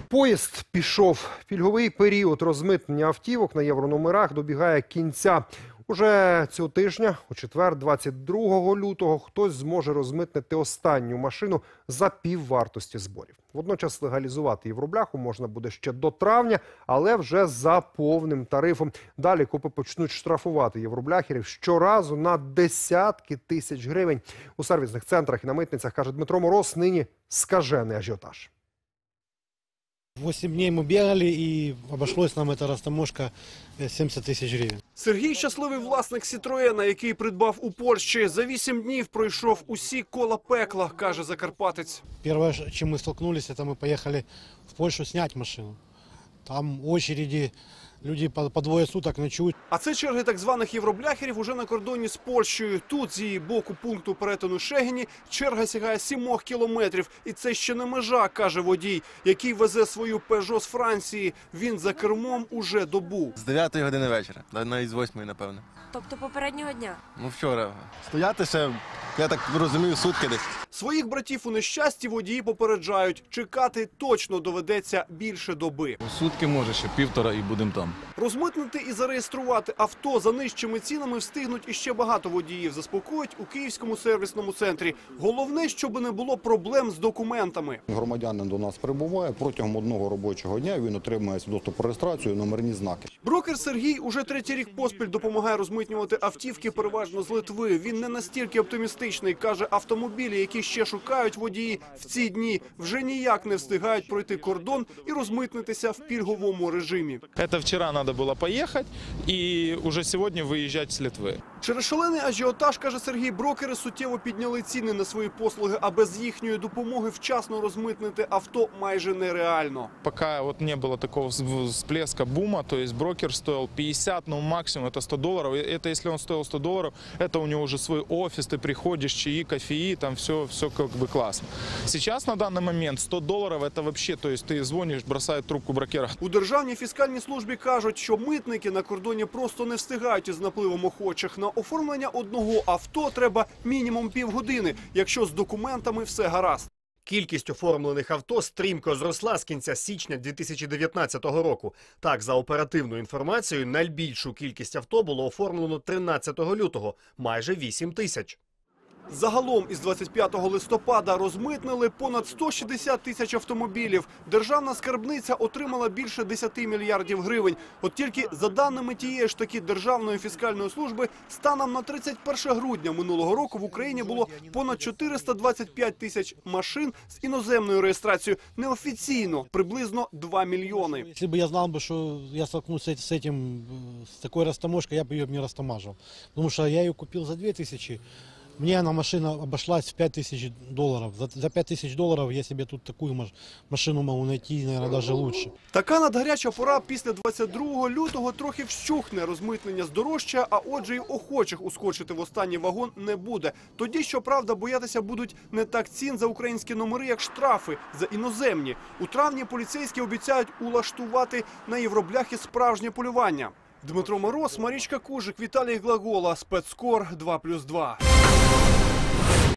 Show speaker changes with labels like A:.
A: Поїзд пішов. Пільговий період розмитнення автівок на єврономерах добігає кінця. Уже цього тижня, у четвер, 22 лютого, хтось зможе розмитнити останню машину за піввартості зборів. Водночас легалізувати євробляху можна буде ще до травня, але вже за повним тарифом. Далі КОПи почнуть штрафувати євробляхерів щоразу на десятки тисяч гривень. У сервісних центрах і на митницях, каже Дмитро Мороз, нині скажений ажіотаж.
B: 8 дней мы бегали, и обошлось нам эта растаможка 70 тысяч гривен.
C: Сергій – щасливий власник «Сітроена», який придбав у Польщі. За 8 днів пройшов усі кола пекла, каже закарпатець.
B: Первое, чем мы столкнулись, это мы поехали в Польшу снять машину. Там очереди, люди по двое суток ночують.
C: А це черги так званих євробляхерів уже на кордоні з Польщею. Тут, з її боку пункту перетину Шегині, черга сягає 7 кілометрів. І це ще не межа, каже водій, який везе свою «Пежо» з Франції. Він за кермом уже добу.
D: З 9 години вечора, навіть з 8, напевно.
E: Тобто попереднього дня?
D: Ну вчора. Стояти ще, я так розумію, сутки десь.
C: Своїх братів у нещасті водії попереджають. Чекати точно доведеться більше доби.
F: Сутки, може, ще півтора і будемо там.
C: Розмитнити і зареєструвати авто за нижчими цінами встигнуть іще багато водіїв, заспокоюють у Київському сервісному центрі. Головне, щоб не було проблем з документами.
G: Громадянин до нас прибуває, протягом одного робочого дня він отримує свідоцтво про реєстрацію, номерні знаки.
C: Брокер Сергій уже 3-й рік поспіль допомагає розмитнювати автівки переважно з Литви. Він не настільки оптимістичний, каже, автомобілі, які ще шукають водії, в ці дні вже ніяк не встигають пройти кордон і розмитнитися в пільговому режимі.
F: Це вчора треба було поїхати і вже сьогодні виїжджати з Литви.
C: Через шалений ажіотаж, каже Сергій, брокери суттєво підняли ціни на свої послуги, а без їхньої допомоги вчасно розмитнити авто майже нереально.
F: Поки не було такого всплеска бума, то есть брокер стоил 50, но максимум это $100. Это если он стоил $100, это у него уже свой офис, ты приходишь, чаи, кофеи, там все как бы классно. Сейчас на данный момент $100 это вообще, то есть ты звонишь, бросает трубку брокера.
C: У Державній фіскальній службі кажуть, що митники на кордоні просто не встигають із напливом охочих. На оформлення одного авто треба мінімум півгодини, якщо з документами все гаразд.
H: Кількість оформлених авто стрімко зросла з кінця січня 2019 року. Так, за оперативною інформацією, найбільшу кількість авто було оформлено 13 лютого – майже 8 тисяч.
C: Загалом із 25 листопада розмитнили понад 160 тисяч автомобілів. Державна скарбниця отримала більше 10 мільярдів гривень. От тільки за даними тієї ж таки Державної фіскальної служби, станом на 31 грудня минулого року в Україні було понад 425 тисяч машин з іноземною реєстрацією. Неофіційно – приблизно 2 мільйони.
B: Якщо б я знав, що я столкнусь з такою растаможкою, я б її не растаможив. Тому що я її купив за 2 тисячі. Мне она машина обошлась в $5000. За $5000 я себе тут такую машину могу найти, наверное, даже лучше.
C: Така надгаряча пора після 22 лютого трохи вщухне. Розмитнення здорожчає, а отже й охочих ускочити в останній вагон не буде. Тоді, щоправда, боятися будуть не так цін за українські номери, як штрафи за іноземні. У травні поліцейські обіцяють улаштувати на євробляхи справжнє полювання. Дмитро Мороз, Марічка Кужик, Віталій Глагола, Спецкор 2+2.